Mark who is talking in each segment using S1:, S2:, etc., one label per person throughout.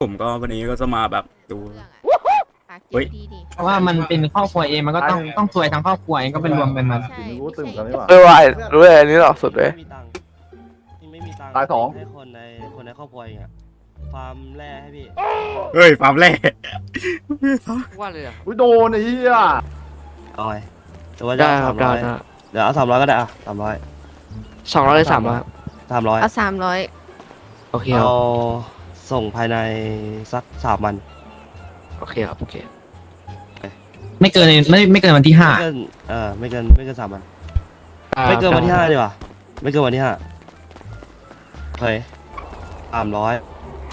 S1: ผมก็วันนี้ก็จะมาแบบดู
S2: เรื่องอะปาก
S1: เฮ้ย
S2: ดีดี
S3: เพราะว่ามันเป็นครอบครัวเองมันก็ต้องซวยทั้งครอบครัวเองก็เป็นรวมกันมา
S2: ใช่
S4: รู้ตื่นกันนี่หว่า
S5: ว่ารู้เลยอันนี้หรอสุดเลย
S6: ไม่มีตังค์
S4: ตายสอง
S6: ให้คนในครอบครัวเองอะฟาร์มแร่ให้พี่
S1: เฮ้ยฟาร์มแรก
S5: ว่าเลยอ่ะ
S4: อุ้ยโดนไอ้เหี้ย
S6: เอาไงแต่ว่าจะเอา300เดี๋ยวเอา300ก็ได้อะ300
S5: 200เลย300
S6: 300
S2: เอา300
S5: โอเคครั
S6: เอา
S5: บ
S6: ส่งภายในสัก3 วัน
S5: โอเคครับโอเค
S3: ไม่เกินวันที่ห้า
S6: ไม่เกิน3 วันไม่เกินวันที่5ดีกว่าไม่เกินวันที่5โอเค300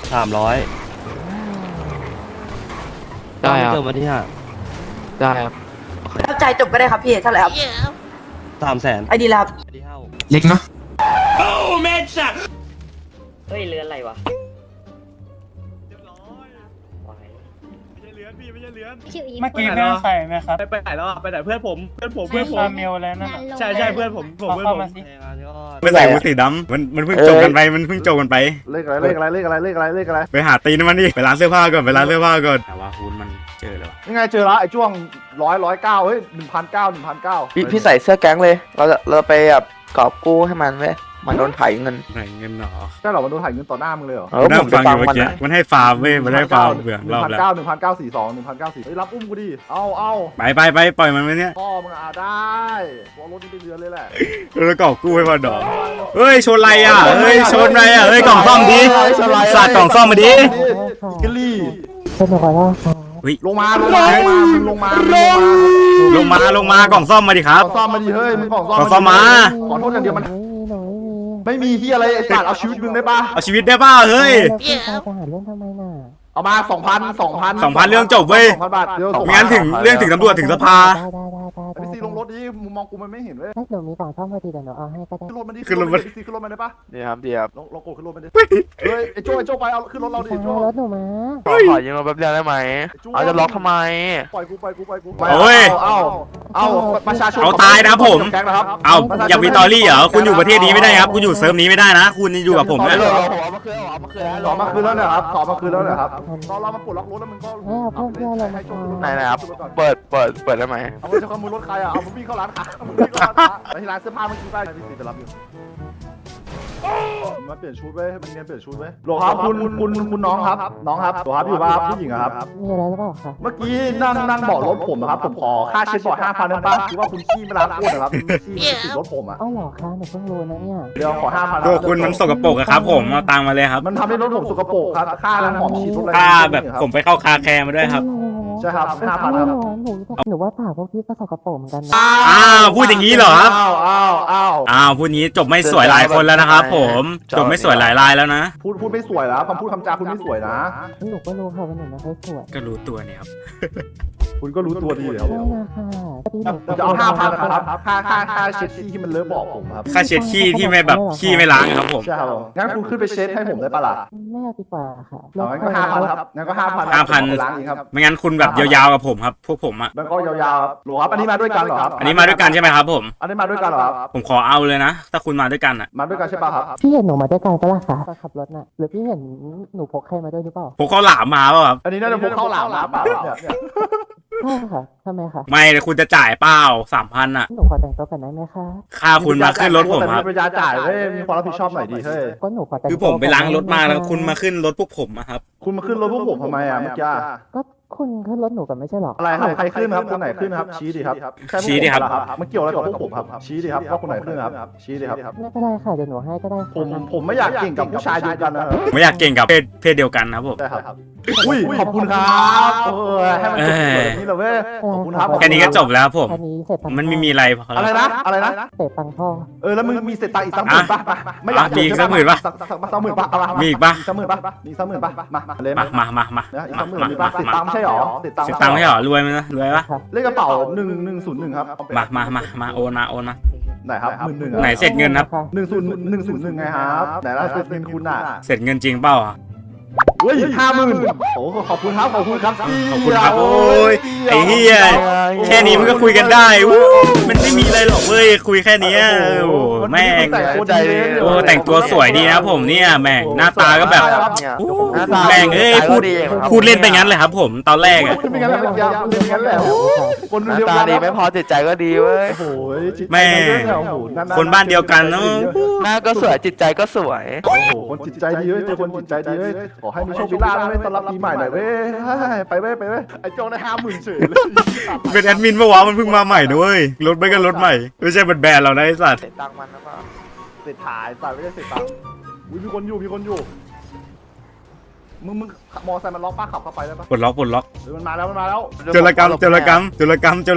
S5: ได้ค
S6: ไม่
S5: รับ
S6: เกินวันที่
S5: ได้ครับ
S7: เข้าใจจบก็ได้ครับพี่เท่าไหร่ครับ
S6: 5 300,000
S7: ไอดีแล้วครับ
S6: ไอดีเท่า
S3: เล็กเนาะ
S8: เฮ้ยเรือนอะไรวะ
S9: เมื่อกี้เพื่อนใส่ไหมครับ
S10: ไปไหนแล้วอ่ะไปไหนเพื่อนผม
S9: คาเมลแล้วนั่นน่ะ
S10: ใช่เพื่อนผม
S9: ขอเข้ามาสิ
S1: ไม่ใส่มือสีดำมันเพิ่งจบกันไปมันเพิ่งจบกันไป
S4: เลขอะไร
S1: ไปหาตีนมันดิไปร้านเสื้อผ้าก่อนแต่ว่าคุณมันเจอแล้ว
S4: ยังไงเจอละไอ้จ้วง109เฮ้ย1,900
S5: พี่ใส่เสื้อแก๊งเลยเราไปแบบกอบกู้ให้มันไว้มันโดนไถเงิน
S1: ไหนเงินหรอ
S4: ใช่หรอมันโดนถ่ายเงินต่อหน้ามึงเลยเหรอ
S1: ผมนั่
S5: ผ
S1: ง
S5: มไป
S1: ฟังอ
S5: ฟัง
S1: ยู่เมื่อ
S5: มัน
S1: กี้
S5: นะ
S1: มันให้ฟาร์มเว้ยมันให้ฟาร์มเบื่อรอบแล้ว
S4: 1,942เฮ้ยรับอุ้มกูดิเอา
S1: ไปปล่อยมันไว้เนี่ย
S4: พ่อมึงได้กูเอารถนี้ไปเรือเลยแหละ
S1: แล้วกอบกู้ให้มันดอกเฮ้ยชนอะไรอ่ะเฮ้ยชนอะไรอ่ะเฮ้ยกล่องซ่อมดิสาดกล่องซ่อมมาดิ
S4: กะลี่ ลงมา
S1: ลงมากล่องซ่อมมาดิครับ
S4: กล่องซ่อมมาดิเฮ้ยมึงกล่อง
S1: กล่องซ่อมมา
S4: ขอโทษอย่างเดียวมันไม่มีที่อะไรไอ้ตัดเอาชีวิตมึงได้ปะ
S1: เอาชีวิตได้ป่ะเฮ้ย
S4: เอามา 2,000
S1: เรื่องจบเว้ย
S4: 2,000 บาทเดี๋ยวส่ง
S1: ไม่งั้นถึงเรื่องถึงตำรวจถึงสภา
S4: ไอ้ซีลงรถดิมุมมองกูมันไม่เห็นเว้ย
S7: หนูมีกล่องซ่อมพอดีเดี๋ยวหนูเอาให้ก็ได้
S4: ขึ้นรถมันดิ
S1: ขึ้นรถมัน
S4: ซีขึ้นรถมันได้ปะ
S5: ดีครับดีครับ
S4: ลองกดขึ้นรถมันดิเฮ้ยไอ้โจ้ไปเอาขึ้นรถเราดิโจ้
S7: รถหนูมา
S5: ขอยืมรถแป๊บเดียวได้ไหมเอาจะล็อกทำไม
S4: ปล่อยกู
S1: โอ้ย
S4: เอาประชาชน
S1: เอาตายนะผม
S4: แก๊งนะครับ
S1: เอาอย่าวิตอรี่เหรอคุณอยู่ประเทศนี้ไม่ได้ครับคุณอยู่เซิร์ฟนี้ไม่ได้นะ คุณอยู่กับผมนะ
S5: เอามาคืน
S4: ขอมาคืนแล้วเนี่ยครับขอมาคืนแล้วเนี่ยครับตอนเรามาปลดล็อกรถแล้วมึงก็
S5: ไหนนะครับเปิดได้ไหม
S4: เอาไปจะขโมยรถใครอ่ะเอามึงวิ่งเข้าร้านค้าไปที่ร้านเสื้อผ้าเมื่อกี้ไปพี่ซีไปรับอยู่มาเปลี่ยนชุดไว้ให้มันเนียนเปลี่ยนชุดไว้โหลครับคุณน้องครับโหลครับอยู่ป่ะผู้หญิงครับ
S7: มีอะไรหรือเปล่าคะ
S4: เมื่อกี้นั่งเบาะรถผมนะครับผมขอค่าเช็ดเบาะ5,000ได้ป่ะคือว่าคุณขี้ไม่ล้างก้นนะครับขี้ติดรถผมอ่ะ
S7: เอ้าเหรอคะหนูเพิ่งรู้นะเนี่ย
S4: เดี๋ยวขอ5,000
S1: ตัวคุณมันสกปรกอะครับผมเอาตังค์มาเลยครับ
S4: มันทำให้รถผมสกปรกครับค่าล้างหอมฉีดรถอะไร
S1: ค่าแบบผมไปเข้าคาแคร์มาด้วยครับ
S4: ใช่ครับ5,000ครับ
S7: หนูว่าปากพวกพี่ก็สกปรกเหมือนกันนะ
S1: อ้าวพูดอย่างนี้เหรอครับ
S4: อ้าว
S1: พูดอย่างนี้จบไม่สวยหลายคนแล้วนะครับผมจบไม่สวยหลายรายแล้วนะ
S4: พูดไม่สวยแล้วคำพูดคำจาคุณไม่สวยนะ
S7: หนูก็รู้ค่ะว่าหนูไม่ค่อยสวย
S1: ก็รู้ตัวเนี่ยครับ
S4: คุณก็รู้ตัวดีแล้ว
S7: ใช่นะคะพี่หนู
S4: จะเอา5,000นะครับค่าเช็ดขี้ที่มันเลอะเบาะผมครับ
S1: ค่าเช็ดขี้ที่ไม่แบบขี้ไม่ล้างครับผม
S4: ใช่ครับงั้นคุณขึ้นไปเช็ดให้ผมได้ปะล่ะ
S7: ไม่เอาดีกว่าค่ะ
S4: งั้นก็5,000ครับงั้นก็5,000
S1: 5,000
S4: ล้างเองครับ
S1: ไม่งั้นคุณแบบยาวๆกับผมครับพวกผมอะ
S4: แล้วก็ยาวๆหรอครับอันนี้มาด้วยกันเหรอครับ
S1: อันนี้มาด้วยกันใช่ไหมครับผม
S4: อันนี้มาด้วยกันเหรอครับ
S1: ผมขอเอาเลยนะ ถ้าคุณมาด้วยกันอะ
S4: มาด้วยกันใช่ป่ะครับ
S7: พี่เห็นหนูมาด้วยกันก็ล่ะคะตอนขับรถน่ะหรือพี่เห็นหนูพกใครมาด้วยหรือเปล่า
S1: ผมเขาหลามมาเปล่าครับ
S4: อันนี้น่าจะพกเข้าหลามมาเปล่าเนี่ย
S7: ใช่ค่ะทำไมคะ
S1: ไม่เลยคุณจะจ่ายเปล่า3,000อะ
S7: หนูขอแต่งตัวกันได้ไหมคะ
S1: ค่าคุณมาขึ้นรถผมครับ
S4: แต่มีปัญญาจ่ายเฮ้ยมีความรับผิดชอบหน่อยดิเฮ้ย
S7: ก็หนูขอแต่ง
S1: คือผมไปล้างรถมาแล้วคุณมาขึ้นรถพวกผมอะครับ
S4: คุณมาขึ้นรถพวกผมทำไมอ่ะเมื่อกี้
S7: ก็คุณขึ้นรถหนูกันไม่ใช่หรอ
S4: อะไรครับใครขึ้นครับคนไหนขึ้นครับชี้ดิครับมันเกี่ยวอะไรกับพวกผมครับชี้ดิครับว่าคนไหนขึ้นครับชี้ดิครับ
S7: ไม่เป็นไรค่ะเดี๋ยวหนูให้ก็ได้ค่ะ
S4: ผมไม่อยากเก่งกับผู้ชายเดียวกันนะครับ
S1: ผมไม่อยากเก่งกับเพศเดียวกันนะครับผม
S4: ใช่ครับอุ้ยขอบคุณครับให้มันจบแบบนี้เลยเว้ยขอบคุณครับ
S1: แค่นี้ก็จบแล้วผม
S7: แค่นี้เสร็จตังค์
S1: มันไม่มีอะไรพอ
S4: อะไร
S1: แล้ว
S4: นะอะไรนะ
S7: เสร็จตังค์พ่อ
S4: แล้วมึงมีเศษตังค์อีกสักหมื่นป่ะไม่อยาก
S1: มีอีกสักหมื่นป่ะ
S4: สักหมื่นป่ะ
S1: มีอีกป่ะ
S4: สักหมื่นป่ะมีสักหมื่นป่ะมาเลย
S1: มา
S4: อีกสักหมื่นมีป่ะเศษตังค์ไม่ใช่หรอเศษตังค์
S1: เสียตังค์ไม่ใช่เหรอรวยไหมนะรวยปะ
S4: เลขกระเป๋า1101ครับ
S1: มาโอนมา
S4: ไหนครับ11,000
S1: ไหนเสร็จเงินครับ
S4: 101ไงครับไหนล่ะเศษเงินคุณอ่ะ
S1: เสร็จเงินจริงเปล่าอะ
S4: เฮ้ย50,000โอ้ขอบคุณครับ
S1: ขอบคุณครับโอ้ยไอ้เหี้ยแค่นี้มันก็คุยกันได้วู้มันไม่มีอะไรหรอกเว้ยคุยแค่นี้โอ้โหแม่ง
S4: แต่งตัวดีเลย
S1: โอ้แต่งตัวสวยดีนะผมเนี่ยแม่งหน้าตาก็แบบ
S5: เนี่ย
S1: โอ้
S5: หน้าตา
S1: แม่งเอ้ยพูด
S5: ดีครับ
S1: พูดเล่นไปงั้นเลยครับผมตอนแรกอะ
S4: เป็นงั้นแหละเป็นงั้นแหละคน
S5: หน้า
S4: เดียว
S5: ตา
S4: กัน
S5: ดีไม่พอจิตใจก็ดีเว้ย
S4: โอ้โหจิตใจ
S1: แม่
S4: โอ้โหๆๆ
S1: คนบ้านเดียวกันเนอะ
S5: หน้าก็สวยจิตใจก็สวย
S4: โอ้โหคนจิตใจดีเว้ยเจอคนจิตใจดีเว้ยขอให้มีโชคมีลาภเว้ยต้อนรับปีใหม่หน่อยเว้ยไปเว้ยไอ้โจงได้50,000เฉยเลย
S1: เป็นแอดมินปะวะมันเพิ่งมาใหม่นะเว้ยรถไม่กันรถใหม่ไม่ใช่แบรนด์เรานะไอ้สัตว์
S5: เสร็จตังค์มันนะเปล่า
S4: เสร็จถ่ายไม่ได้เสร็จตังค์อุ้ยมีคนอยู่มึงมอไซค์มันล็อกป้าขับเข้าไปได้ปะ
S1: ปลดล็อก
S4: มันมาแล้ว
S1: โจรกรรมไปโจรกรรมโจรกรรม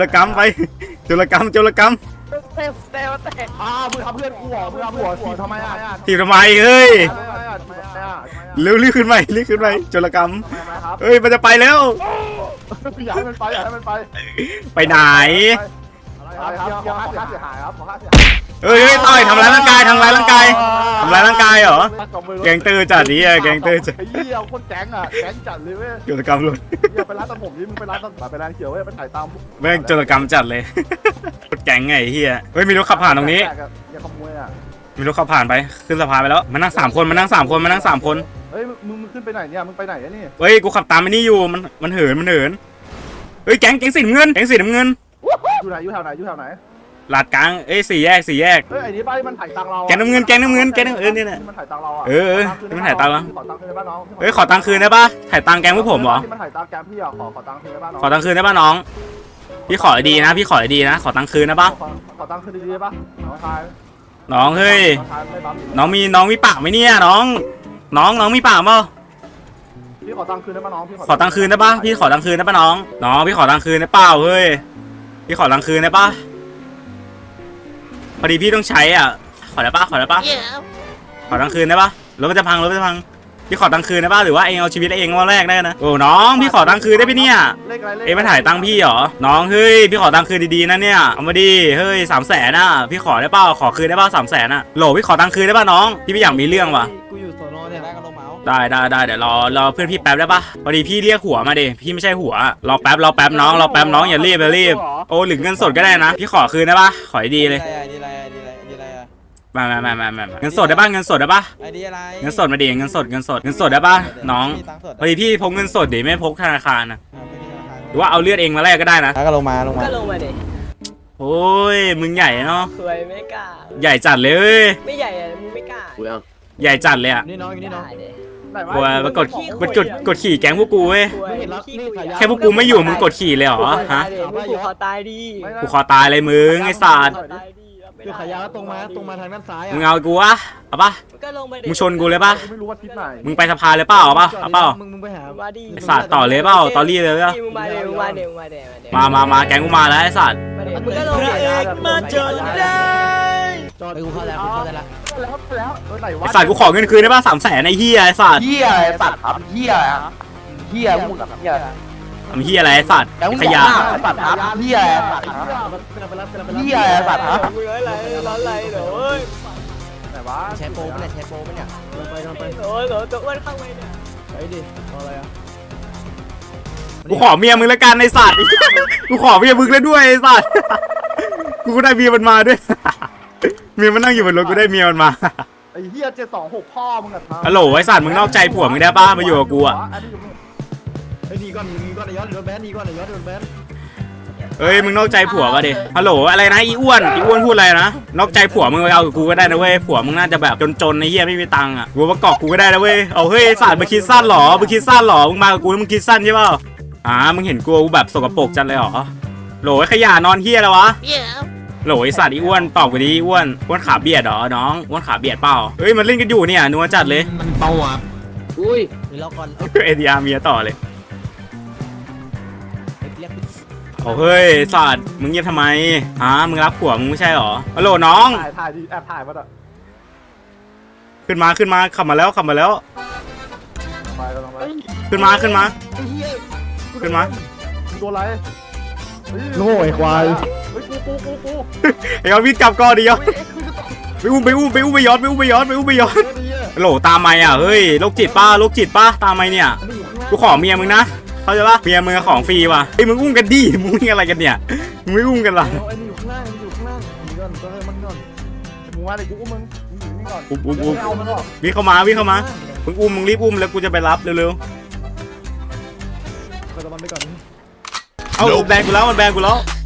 S4: มึงทำเพื่อนกูเหรอมึงทำหัวทีทำไมอ่ะ
S1: ทีทำไมเฮ้ย
S4: ทำไมอ่ะ
S1: เร็วรีบขึ้นไปโจรกรรม
S4: ทำไมครับ
S1: เฮ้ยมันจะไปแล้ว
S4: อยากให้มันไป
S1: ไปไหน
S4: อะไรครับขอค่าเสียหายครับขอค่าเสียหาย
S1: เฮ้ยต่อยทำร้ายร่างกายเหรอแกงเตอร์จัดดิแกงเตอร์จัด
S4: ไอ้เหี้ยโคตรแก๊งอ่ะแก๊งจัดเลยเว้ย
S1: โจรกรรมเลย
S4: อย่าไปร้านตัดผมดิมึงไปร้านตัดไปร้านเขียวเว้ยไปถ่ายตาม
S1: แม่งโจรกรรมจัดเลยรถแก๊งไงเฮียเฮ้ยมีรถขับผ่านตรงนี้
S4: อย่าขโมยอ่ะ
S1: มีรถขับผ่านไปขึ้นสะพานไปแล้วมานั่ง3 คน
S4: เฮ้ยมึงขึ้นไปไหนเนี่ยมึงไปไหนนี่
S1: เฮ้ยกูขับตามไอ้นี่อยู่มันเหินเฮ้ยแก๊งสีน้ำเงิน
S4: อยู่ไหนอยู่แถวไหน
S1: ลาดกลางเอ้ยสี่แยก
S4: เฮ้ยไอ้นี่ป้ามันถ่ายตังเรา
S1: แก๊งน้ำเงินนี่แหละ
S4: มันถ่ายตังเราอ่ะ
S1: มันถ่ายตังค์เรา
S4: ขอตังค์คืนได้ป่ะน้อง
S1: เฮ้ยขอตังค์คืนได้ปะถ่ายตังค์แก๊งพวกผมเหรอ
S4: มันถ่ายตังค์แกมพี่อ่ะขอตังค์คืนได้ป่ะน้อง
S1: ขอตังค์คืนได้ปะน้องพี่ขอดีนะขอตังค์คืนได้ปะ
S4: ขอตังค์คืนดีๆได้ป่ะน้องชาย
S1: น้องเฮ้ย
S4: น้องชายไม่บัฟ
S1: น้องมีปากไหมเนี่ยน้องมีปากเปล่า
S4: พี่ขอตังค์คืนได้ป่ะน้องพี่
S1: ขอตังค์คืนได้ปะพี่ขอตังค์คืนได้ปะน้องพี่ขอตังค์คืนได้เปล่าเฮ้ยพี่ขอตังค์คืนได้ปะพอดีพี่ต้องใช้อ่ะขอได้ปะขอตังค์คืนได้ปะรถมันจะพังพี่ขอตังค์คืนได้ปะหรือว่าเองเอาชีวิตเองมาแรกได้นะโอ้น้องพี่ขอตังค์คืนได้ปะเนี่ย
S4: เลขอะไรเลข
S1: เองมาถ่ายตังค์พี่เหรอน้องเฮ้ยพี่ขอตังค์คืนดีๆนะเนี่ยเอามาดิเฮ้ย300,000น่ะพี่ขอได้เปล่าขอคืนได้เปล่า300,000น่ะโหลพี่ขอตังค์คืนได้ป่ะน้องพี่ไม่อยากมีเรื่องว่ะ
S10: กูอยู่สอนอเนี่ยได้กันลงเมาส์
S1: ได้เดี๋ยวรอเพื่อนพี่แป๊บได้ปะพอดีพี่เรียกหัวมาดิพี่ไม่ใช่หัวรอแป๊บน้องอย่ารีบโอ้หรือเงินสดก็ได้นะพี่ขอคืนได้ปะขอดีเลย
S10: ดีอะไรอ่ะ
S1: มาเงินสดได้ปะเงินสดได้ปะ
S10: ไอดีอะไร
S1: เงินสดมาดิเงินสดได้ปะน้อง
S10: มีตังค์สด
S1: พอดีพี่พกเงินสดดิไม่พกธนาคารนะ
S10: ไม่มีธนาคาร
S1: หรือว่าเอาเลือดเองมาแลกก็ได้นะ
S10: ก็ลงมา
S2: ก็ลงมาดิ
S1: โอ้ยมึงใหญ่เนาะ
S2: สวยไม่กล้า
S1: ใหญ่จัดเลยเว้ย
S2: ไม่ใหญ่อะมึงไม่กล้า
S1: ใหญ่จัดเลยอะ
S10: นี่น้องอยู่นี่น้อง
S2: ได้ดิ
S4: ไหนวะ
S1: กลัวมากดขี่แก๊งพวกกูเว้ย
S2: สวย
S10: เห็นแล้ว
S2: ขี้
S10: นี่
S2: คุย
S10: สายยา
S1: แค่พวกกูไม่อยู่มึงกดขี่เลยเหรอฮะ
S2: มึงขอตายดิ
S1: กูขอตายเลยมึงไอ้สัตว์
S2: ขอตายดิรับไม่
S10: คือ
S2: ได้
S10: ขายยาตรงมาทางด้านซ้ายอ่ะ
S1: มึงเอากูวะเอาปะ
S2: ก็ลงมาดิ
S1: มึงชนกูเลยปะ
S4: กูไม่รู้ว่าทิศไหน
S1: มึงไปสะพานเลยเปล่าเอาปะเอาเปล่า
S10: มึงไปหา
S2: มาดิ
S1: ไอ้สัตว์ต่อเลยเปล่าตอรี่เลยปะ
S2: มึงมาดิมึงมาดิ
S1: มาแก๊งกูมาแล้วไอ้สัตว์
S2: มึงก็ลงดิมาจนได้
S10: จอดกูเข้าใจแล้ว
S4: แล้วไหนวะ
S1: ไอ้สัตว์กูขอเงินคืนได้ปะ300,000ไอ้เหี้ยไอ้สัตว์
S5: เหี้ยอะไรสัตว์ครับเหี้ยมึงกับเหี้ย
S1: ทำเหี้ยอะไรไอ้สัตว์
S5: แล้วมึง
S1: ข
S5: อย
S1: ะ
S5: กสัตว์ครับเหี้ยสัตว์เหี้ยสัตว์ครับ
S2: มึงอะไรร้อนไรเดี๋ยวเอ้ย
S4: ไหนวะ
S10: ใช้โปรปะเนี่ยไป
S2: โอ้ยตัวอ้วนเข้าไปเนี่ย
S10: ไปดิเอาอะไรอ่ะ
S1: กูขอเมียมึงแล้วกันไอ้สัตว์กูขอเมียมึงแล้วด้วยไอ้สัตว์กูก็ได้เมียมันมาด้วยเมียมันนั่งอยู่บนรถกูได้เมียมันมา
S4: ไอ้เหี้ย726พ่อมึงอะ
S1: ฮัลโหลไอ้สัตว์มึงนอกใจผัวมึงได้ปะมาอยู่กับกูอะ
S10: ไอ้นี่ก่อนย้อนโดนแบนนี่ก่อนย้อนโดนแบน
S1: เอ้ยมึงนอกใจผัวป่ะดิฮัลโหลอะไรนะอีอ้วนพูดอะไรนะนอกใจผัวมึงไปเอากับกูก็ได้นะเว้ยผัวมึงน่าจะแบบจนๆในเหี้ยไม่มีตังค์อ่ะกูมาเกาะกูก็ได้นะเว้ยเอาเฮ้ยไอ้สัตว์มึงคิดสั้นเหรอมึงมากับกูแล้วมึงคิดสั้นใช่เปล่ามึงเห็นกูแบบสกปรกจังเลยเหรอโหลไอ้ขยะนอนเหี้ยแล้ววะโหลไอ้สัตว์อีอ้วนตอบกูดิอ้วนขาเบียดเหรอน้องอ้วนขาเบียดเปล่าเฮ้ยมันเล่นกันอยู่เนี่ยนัวจัดเลย
S3: มันเบาอ่ะ
S10: อุ้ยมีล็อกก่อน
S1: เอดีอาร์เมียต่อเลยโอ้เฮ้ยสัตว์มึงเงียบทำไมมึงรักผัวมึงไม่ใช่เหรอฮัลโหลน้อง
S4: ถ่ายดิแอบถ่ายมาอ่ะ
S1: ขึ้นมาขับมาแล้ว
S4: ไปกันลงไป
S1: ขึ้นมา
S4: โดนอะไร
S10: โง่ไอ้ควาย
S4: เฮ้ยกู
S1: ไอ้ยอดวิ่งกลับก่อนดิยอดไปอุ้มไปย้อนโหลตามไม่อ่ะเฮ้ยโรคจิตป้าตามไม่เนี่ยกูขอเมียมึงนะเขาใจปะเมียมึงของฟรีว่ะไอ้มึงอุ้มกันดิมึงอะไรกันเนี่ยมึงไม่อุ้มกันหรอ
S10: ไอ้นี่อยู่ข้างล่างหนีก่อนต้องให้มันก่อน
S4: มึงมาเลยกูอุ้มมึงอยู่นี่ก่อน
S1: อุ้ม
S4: ไม่เอามันหรอก
S1: วิ่งเข้ามามึงอุ้มมึงรีบอุ้มแล้วกูจะไปรับเร็ว
S10: ไปตะวันไปก่อน
S1: ๆเอาแบนกูแล้วมันแบนกูแล้ว